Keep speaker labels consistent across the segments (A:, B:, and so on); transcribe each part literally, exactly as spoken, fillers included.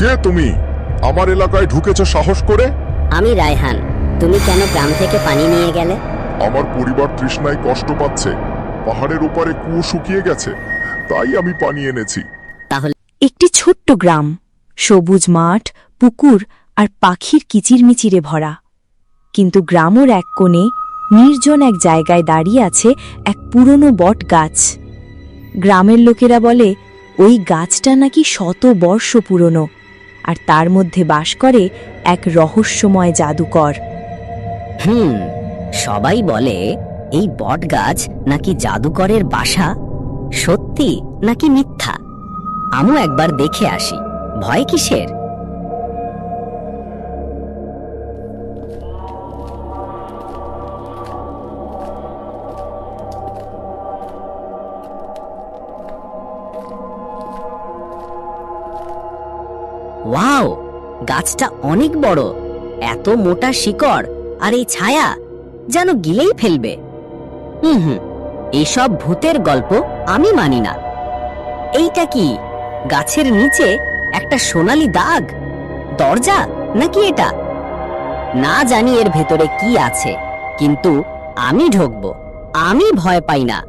A: কে তুমি? আমার এলাকায় ঢুকেছো সাহস করে?
B: আমি রায়হান। তুমি কেন গ্রাম থেকে পানি নিয়ে গেলে?
A: আমার পরিবার তৃষ্ণায় কষ্ট পাচ্ছে। পাহাড়ের ওপারে কুয়ো শুকিয়ে গেছে, তাই আমি পানি এনেছি।
B: তাহলে
C: একটি ছোট্ট গ্রাম, সবুজ মাঠ, পুকুর আর পাখির কিচিরমিচিরে ভরা। কিন্তু গ্রামের এক কোণে নির্জন এক জায়গায় দাঁড়িয়ে আছে এক পুরনো বট গাছ। গ্রামের লোকেরা বলে ওই গাছটা নাকি শত বর্ষ পুরনো, আর তার মধ্যে বাস করে এক রহস্যময় জাদুকর।
B: হুম সবাই বলে এই বট গাছ নাকি জাদুকরের বাসা। সত্যি নাকি মিথ্যা? আমিও একবার দেখে আসি। ভয় কিসের? ওয়াও, গাছটা অনেক বড়। এত মোটা শিকড় আর এই ছায়া যেন গিলেই ফেলবে। হুম হুম এইসব ভূতের গল্প আমি মানি না। এইটা কি? গাছের নিচে একটা সোনালী দাগ। দরজা নাকি এটা? না জানি এর ভেতরে কি আছে, কিন্তু আমি ঢুকবো। আমি ভয় পাই না।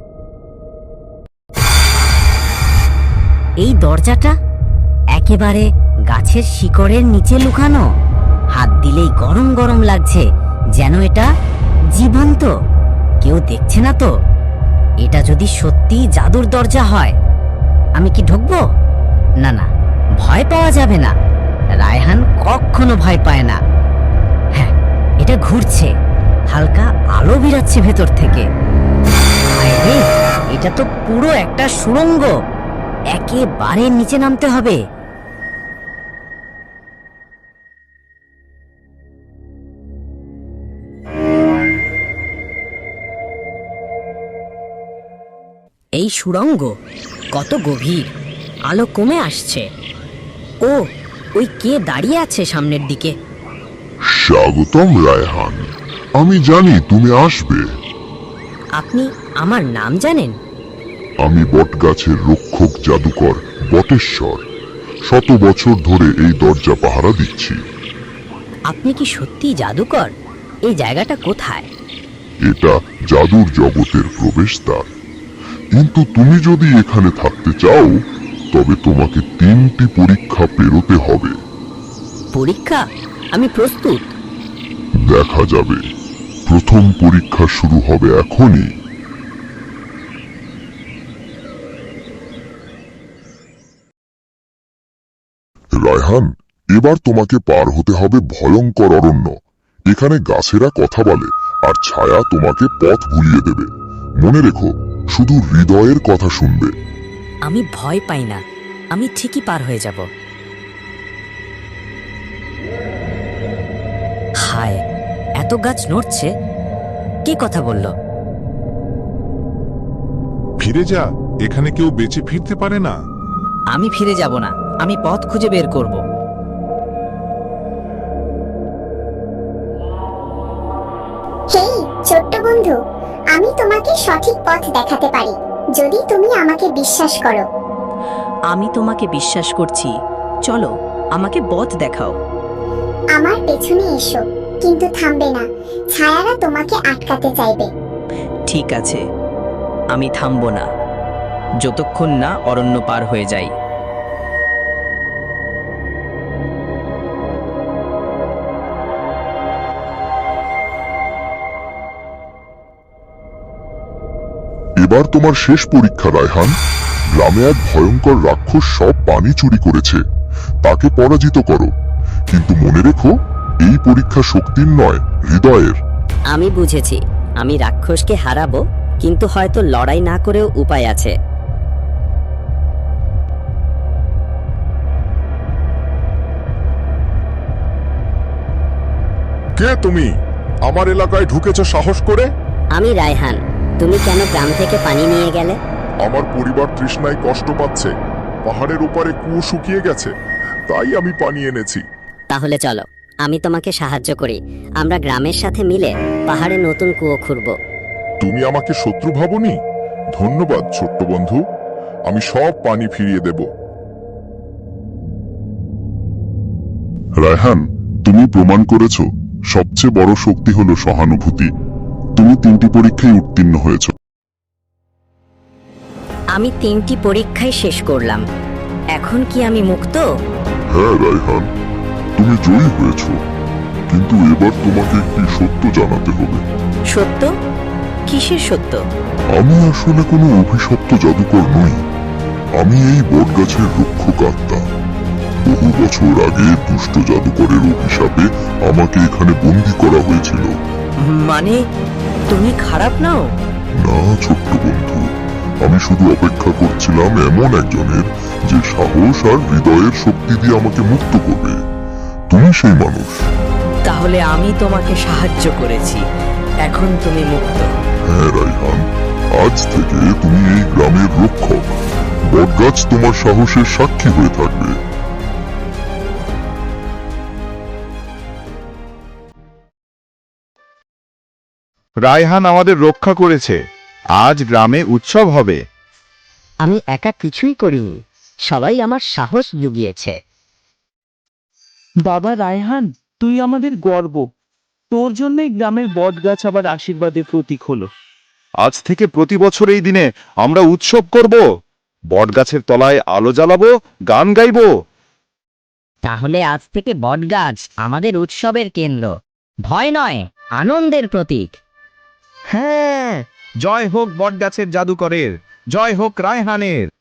B: এই দরজাটা একেবারে গাছের শিকড়ের নিচে লুকানো। হাত দিলেই গরম গরম লাগছে, যেন এটা জীবন্ত। কেউ দেখছে না তো? এটা যদি সত্যি জাদুর দরজা হয়, আমি কি ঢুকবো? না না, ভয় পাওয়া যাবে না। রায়হান কখনো ভয় পায় না। হ্যাঁ, এটা ঘুরছে, হালকা আলো বেরাচ্ছে ভেতর থেকে। হায় রে, এটা তো পুরো একটা সুড়ঙ্গ। একেবারে নিচে নামতে হবে। এই সুড়ঙ্গ কত গভীর! আলো কমে আসছে। ও, ওই কে দাঁড়িয়ে আছে সামনের দিকে?
A: স্বাগতম রায়হান, আমি জানি তুমি আসবে।
B: আপনি আমার নাম জানেন?
A: আমি বটগাছের রক্ষক জাদুকর বটেশ্বর। শত বছর ধরে এই দরজা পাহারা দিচ্ছি।
B: আপনি কি সত্যি জাদুকর? এই জায়গাটা কোথায়?
A: এটা জাদুর জগতের প্রবেশদ্বার। কিন্তু তুমি যদি এখানে থাকতে চাও, তবে তোমাকে তিনটি পরীক্ষা পেরোতে হবে।
B: পরীক্ষা? আমি প্রস্তুত।
A: দেখা যাবে। প্রথম পরীক্ষা শুরু হবে এখনই। রায়হান, এবার তোমাকে পার হতে হবে ভয়ঙ্কর অরণ্য। এখানে গাছেরা কথা বলে, আর ছায়া তোমাকে পথ ভুলিয়ে দেবে। মনে রেখো, শুধু হৃদয়ের কথা শুনবে।
B: আমি ভয় পাই না, আমি ঠিকই পার হয়ে যাব। হায়, এত গাছ নড়ছে। কে কথা বলল?
D: ফিরে যা, এখানে কেউ বেঁচে ফিরতে পারে না।
B: আমি ফিরে যাব না, আমি পথ খুঁজে বের করব।
E: হেই ছোট্ট বন্ধু, আমি তোমাকে সঠিক পথ দেখাতে পারি, যদি তুমি আমাকে বিশ্বাস করো।
C: আমি তোমাকে বিশ্বাস করছি, চলো আমাকে পথ দেখাও।
E: আমার পেছনে এসো, কিন্তু থামবে না। ছায়ারা তোমাকে আটকাতে চাইবে।
F: ঠিক আছে, আমি থামব না যতক্ষণ না অরণ্য পার হয়ে যাই।
A: এবার তোমার শেষ পরীক্ষা রায়হান। গ্রামে এক ভয়ঙ্কর রাক্ষস সব পানি চুরি করেছে, তাকে পরাজিত করো। কিন্তু মনে রেখো, এই পরীক্ষা শক্তির নয়, হৃদয়ের।
B: আমি বুঝেছি, আমি রাক্ষসকে হারাবো, কিন্তু হয়তো লড়াই না করেও উপায় আছে।
A: কে তুমি? আমার এলাকায় ঢুকেছো সাহস করে?
B: আমি রায়হান। তুমি কেন গ্রাম থেকে পানি নিয়ে গেলে?
A: আমার পরিবার তৃষ্ণায় কষ্ট পাচ্ছে। পাহাড়ের ওপারে কুয়ো শুকিয়ে গেছে, তাই আমি পানি এনেছি।
B: তাহলে চলো, আমি তোমাকে সাহায্য করি। আমরা গ্রামের সাথে মিলে পাহাড়ে নতুন কুয়ো খুঁড়ব।
A: তুমি আমাকে শত্রু ভাবনি? ধন্যবাদ ছোট্ট বন্ধু, আমি সব পানি ফিরিয়ে দেব। রায়হান, তুমি প্রমাণ করেছ সবচেয়ে বড় শক্তি হলো সহানুভূতি। তুমি তিনটি পরীক্ষায় উত্তীর্ণ হয়েছ।
B: আমি তিনটি পরীক্ষায় শেষ করলাম, এখন কি আমি মুক্ত?
A: হ্যাঁ রায়হান, তুমি জয়ী হয়েছ, কিন্তু এবার তোমাকে একটি সত্য জানাতে হবে।
B: সত্য? কিসের সত্য?
A: আমি আসলে কোনো অভিশপ্ত জাদুকর নই। আমি এই বটগাছের রক্ষক আত্মা। বহু বছর আগে দুষ্ট জাদুকরের অভিশাপে আমাকে এখানে বন্দী করা হয়েছিল।
F: মানে তুমি খারাপ নাও?
A: না ছোট্ট বন্ধু, আমি শুধু অপেক্ষা করছিলাম এমন একজনের যে সাহস আর হৃদয়ের শক্তি দিয়ে আমাকে মুক্ত করবে। তুমি সেই মানুষ।
F: তাহলে আমি তোমাকে সাহায্য করেছি, এখন তুমি মুক্ত।
A: হ্যাঁ রায়হান, আজ থেকে তুমি এই গ্রামের রক্ষক। বটগাছ তোমার সাহসের সাক্ষী হয়ে থাকবে।
D: রায়হান আমাদের রক্ষা করেছে, আজ গ্রামে উৎসব হবে।
B: আমি একা কিছুই করিনি, সবাই আমার সাহস জুগিয়েছে।
G: বাবা রায়হান, তুই আমাদের গর্ব। তোর জন্যই গ্রামের বটগাছ আবার আশীর্বাদের প্রতীক হলো।
D: আজ থেকে প্রতি বছর এই দিনে আমরা উৎসব করব, বটগাছের তলায় আলো জ্বালাবো, গান গাইবো।
B: তাহলে আজ থেকে বটগাছ আমাদের উৎসবের কেন্দ্র, ভয় নয়, আনন্দের প্রতীক।
H: হ্যাঁ, জয় হোক বটগাছের জাদুকরের, জয় হোক রায়হানের।